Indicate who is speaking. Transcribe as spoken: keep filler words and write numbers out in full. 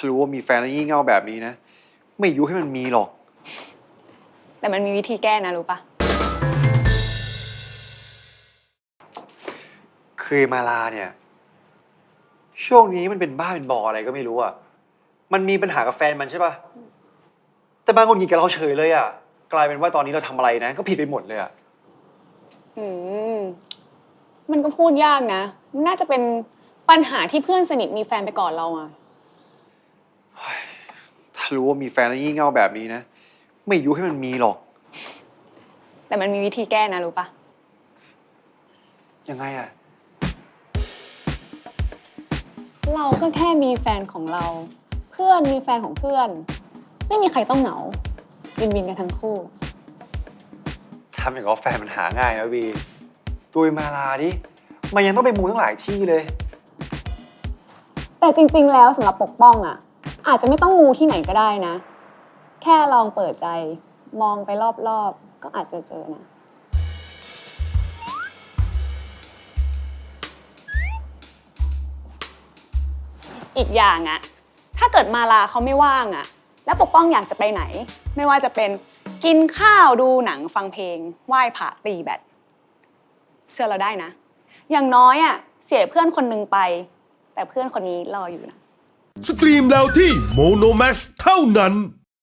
Speaker 1: ารู้ว่ามีแฟนแล้วงี่เง่าแบบนี้นะ ไม่ยุให้มันมีหรอก
Speaker 2: แต่มันมีวิธีแก้นะรู้ปะ
Speaker 1: คือมาลาเนี่ย ช่วงนี้มันเป็นบ้าเป็นบออะไรก็ไม่รู้อ่ะ มันมีปัญหากับแฟนมันใช่ปะแต่บางคนหงิดกับเราเฉยเลยอ่ะ กลายเป็นว่าตอนนี้เราทำอะไรนะ ก็ผิดไปหมดเลยอ่ะ
Speaker 2: อืมมันก็พูดยากนะมันน่าจะเป็นปัญหาที่เพื่อนสนิทมีแฟนไปก่อนเราอะ
Speaker 1: ถ้ารู้ว่ามีแฟนแล้วงี่เง่าแบบนี้นะ ไม่ยุให้มันมีหรอก
Speaker 2: แต่มันมีวิธีแก้นะรู้ปะ
Speaker 1: ยังไงอ่ะ
Speaker 2: เราก็แค่มีแฟนของเรา เพื่อนมีแฟนของเพื่อน ไม่มีใครต้องเหงาวินวินกันทั้งคู่
Speaker 1: ทำอย่างกับแฟนมันหาง่ายนะวีดูมาลาดิ มันยังต้องไปมูตั้งหลายที่เลย
Speaker 2: แต่จริงๆแล้วสำหรับปกป้องอะอาจจะไม่ต้องมูที่ไหนก็ได้นะ แค่ลองเปิดใจมองไปรอบๆก็อาจจะเจอนะ อีกอย่างอะถ้าเกิดมาลาเขาไม่ว่างอะแล้วปกป้องอยากจะไปไหน ไม่ว่าจะเป็นกินข้าวดูหนังฟังเพลงไหว้พระตีแบดเชื่อเราได้นะ อย่างน้อยอะเสียเพื่อนคนหนึ่งไป แต่เพื่อนคนนี้รออยู่นะ
Speaker 3: สตรีมแล้วที่โมโนแม็กซ์เท่านั้น